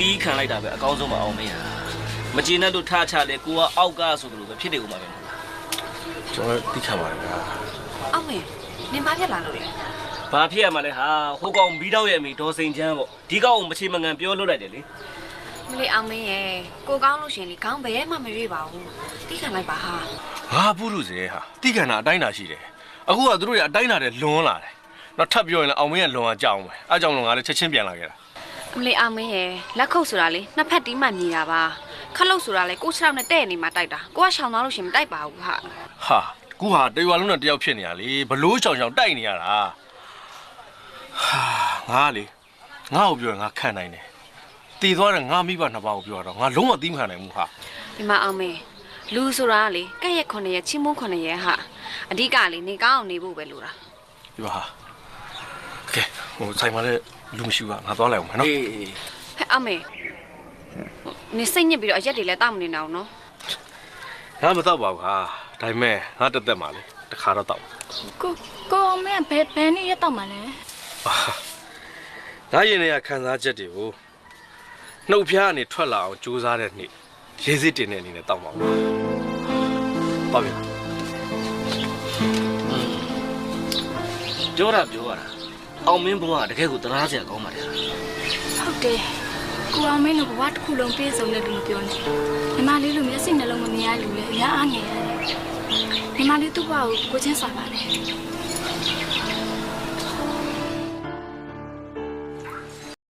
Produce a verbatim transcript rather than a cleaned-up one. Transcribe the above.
တီးခံလိုက်တာပဲအကောင်းဆုံးမအောင်မရမကျေနပ်လို့ထားချလဲကိုကအောက်ကဆိုသလိုပဲဖြစ်တယ်ဦးမှာပဲမဟုတ်လားကျွန်တော်တီးခံပါတယ်ဗျာအောင်မေနင်ဘာဖြစ်လာလို့လဲဘာဖြစ်ရမှာလဲဟာဟိုကောင်ဘီးတော့ရဲ့အမိဒေါ်စိန်ချမ်းပေါ့ဒီကောင်ကိုမချေမငံပြောလို့လိုက်တယ်လေမလေးအောင်မင်းရဲ့ကိုကောင်းလို့ရှင်လေခေါင်းဘယ်မှမရွေ့ပါဘူးတီးခံလိုက်ပါဟာဟာပုရုစေဟာတီးခံတာအတိုင်းတာရှိတယ်အခုကသူတို့ရအတိုင်းတာတဲ့လွန်လာတယ်တော့ထပ်ပြောရင်လည်းအောင်မင်းကလွန်အောင်ကြောက်အောင်ပဲအဲကြောင့်လို့ငါလည်းချက်ချင်းပြန်လာခဲ့တာမလေးအောင်မင်းရဲ့လက်ခုပ်ဆိုတာလေနှစ်ဖက်တီးမှမြည်တာပါခလုတ်ဆိုတာလေကိုခြေထောက်နဲ့တဲ့နေမှာတိုက်တာကိုကရှောင်သွားလို့ရှင်မတိုက်ပါဘူးဟာဟာကူဟာတရွာလုံးနဲ့တယောက်ဖြစ်နေရလေဘလို့ရှောင်ရှောင်တိုက်နေရတာဟာငါလေငါ့ကိုပြောရင်ငါခံနိုင်တယ်တည်သွားတဲ့ငါမိဘနှစ်ပါးကိုပြောတော့ငါလုံးဝသီးမခံနိုင်ဘူးဟာဒီမှာအောင်မင်းလူဆိုတာလေကက်ရက်ခုနှစ်ရက်ချင်းမုန်းခုနှစ်ရက်ဟာအဓိကလေနေကောင်းအောင်နေဖို့ပဲလိုတာဒီပါဟာကဲဟိုဆိုင်မှာလည်းလူမရှိဘူးကငါသွားလိုက်အောင်မယ်နော်အေးဟဲ့အောင်မင်းနေစိတ်ညစ်ပြီးတော့အရက်တွေလည်းတောက်မနေအောင်နော်ငါမတော့ပါဘူးဟာဒါပေမဲ့ငါတက်တက်မှာလေတခါတော့တောက်ကိုကိုအောင်မင်းဘယ်ဘယ်နည်းရက်တော့မှာလဲငါရင်ထဲကခံစားချက်တွေကိုနှုတ်ဖျားကနေထွက်လာအောင်ကြိုးစားတဲ့နေ့ရေးစစ်တင်တဲ့အနေနဲ့တောက်ပါဦးပါဗျာပြောတာပြောရတာအောင်မင်းဘုံကတကယ်ကိုတရားစရာကောင်းပါတယ်ဟုတ်တယ်ကိုအောင်မင်းတို့ဘဝတစ်ခုလုံးပြည့်စုံတဲ့လူပြောနေညီမလေးလိုမျက်စိနှလုံးမမြင်ရလူလေအများအားငယ်ရတယ်ညီမလေးသူ့ဘဝကိုကိုချင်းစားပါလေ